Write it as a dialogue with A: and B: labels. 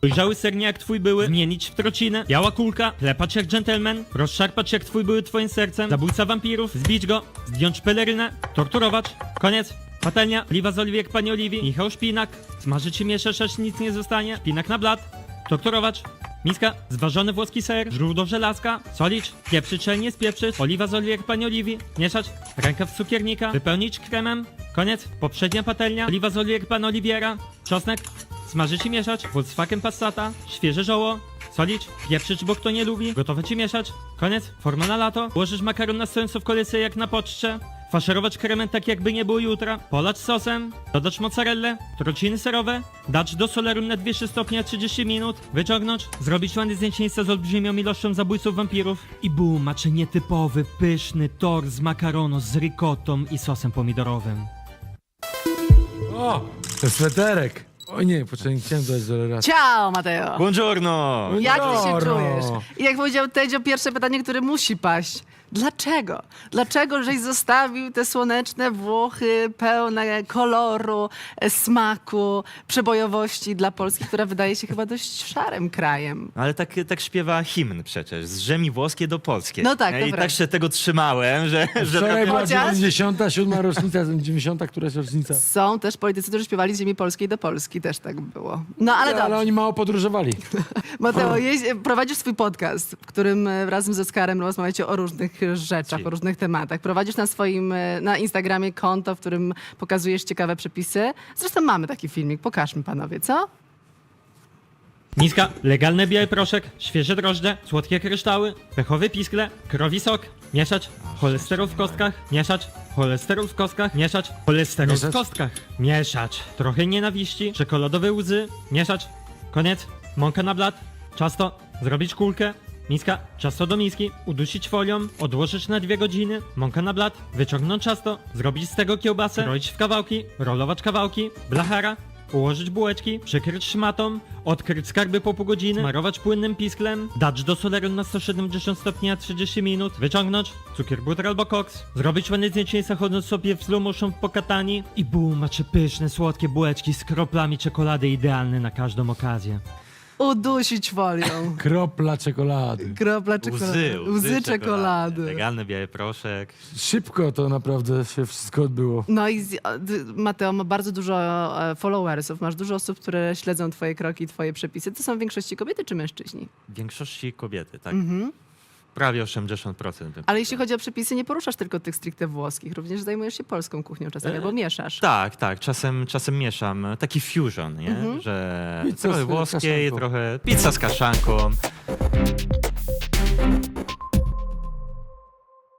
A: Dojrzały sernie jak twój były, zmienić w trocinę. Biała kulka, klepać jak dżentelmen, rozszarpać jak twój były twoim sercem. Zabójca wampirów, zbić go, zdjąć pelerynę, torturować. Koniec. Patelnia, oliwa z oliwy jak pani Oliwii. Michał Szpinak, smażyć i mieszać, aż nic nie zostanie. Szpinak na blat, torturować. Miska, zważony włoski ser, źródło żelazka, solić, pieprzyć, czy nie spieprzyć, oliwa z oliwy jak pani Oliwii, mieszać, rękaw cukiernika, wypełnić kremem, koniec, poprzednia patelnia, oliwa z oliwy jak pan Oliwiera, czosnek, smażyć i mieszać, Volkswagen Passata, świeże żoło, solić, pieprzyć, bo kto nie lubi, gotować i mieszać, koniec, forma na lato, ułożyć makaron na stojąco w kolejce jak na poczcie, faszerować kremem tak jakby nie było jutra, polać sosem, dodać mozzarellę, trociny serowe, dać do soleru na 200 stopni 30 minut, wyciągnąć, zrobić ładne zdjęcie z olbrzymią ilością zabójców wampirów i boom, macie nietypowy, pyszny tort z makaronu z ricotą i sosem pomidorowym.
B: O, ten sweterek. O nie, poczekaj, nie chciałem dać żeleracji.
C: Ciao, Mateo!
D: Buongiorno!
C: Jak ty się
B: Buongiorno.
C: czujesz? I jak powiedział Tedzio, pierwsze pytanie, które musi paść. Dlaczego? Dlaczego żeś zostawił te słoneczne Włochy pełne koloru, smaku, przebojowości dla Polski, która wydaje się chyba dość szarym krajem?
D: Ale tak śpiewa hymn przecież, z ziemi włoskiej do polskiej.
C: No tak,
D: I
C: dobra.
D: tak się tego trzymałem, że
B: Wczoraj była
C: Chociaż-
B: 97. rocznica, 90. któraś rocznica.
C: Są też politycy, którzy śpiewali z ziemi polskiej do Polski, też tak było. No ale
B: Ale
C: dobrze.
B: oni mało podróżowali.
C: Mateo, prowadzisz swój podcast, w którym razem z Oskarem rozmawiacie o różnych rzeczach,
D: Si.
C: o różnych tematach. Prowadzisz na swoim, na Instagramie konto, w którym pokazujesz ciekawe przepisy. Zresztą mamy taki filmik, pokażmy panowie, co?
A: Miska, legalny biały proszek, świeże drożdże, słodkie kryształy, pechowe piskle, krowi sok, mieszać, cholesterol w kostkach, mieszać, cholesterol w kostkach, mieszać, cholesterol w
B: Mieszać.
A: kostkach, mieszać, trochę nienawiści, czekoladowe łzy, mieszać, koniec, mąka na blat, ciasto, zrobić kulkę, miska, ciasto do miski, udusić folią, odłożyć na 2 godziny, mąka na blat, wyciągnąć ciasto, zrobić z tego kiełbasę, roić w kawałki, rolować kawałki, blachara, ułożyć bułeczki, przykryć szmatą, odkryć skarby po pół godziny, smarować płynnym pisklem, dać do soleru na 170 stopni na 30 minut, wyciągnąć, cukier, butter albo koks, zrobić ładne zdjęcie zachodząc sobie w slow motion w pokatani i boom, macie pyszne, słodkie bułeczki z kroplami czekolady idealne na każdą okazję.
C: Udusić folią.
B: Kropla czekolady.
C: Kropla czekolady. Łzy czekolady.
D: Legalny biały proszek.
B: Szybko to naprawdę się wszystko odbyło.
C: No i Mateo ma bardzo dużo followersów, masz dużo osób, które śledzą twoje kroki, twoje przepisy. To są w większości kobiety czy mężczyźni?
D: W większości kobiety, tak?
C: Mhm.
D: Prawie 80%. bym
C: Ale jeśli
D: powiedział.
C: chodzi o przepisy, nie poruszasz tylko tych stricte włoskich, również zajmujesz się polską kuchnią czasami, albo mieszasz.
D: Tak, czasem mieszam. Taki fusion, nie? Że
B: Pizza
D: trochę
B: z
D: włoskiej,
B: kaszanką.
D: trochę pizza z kaszanką.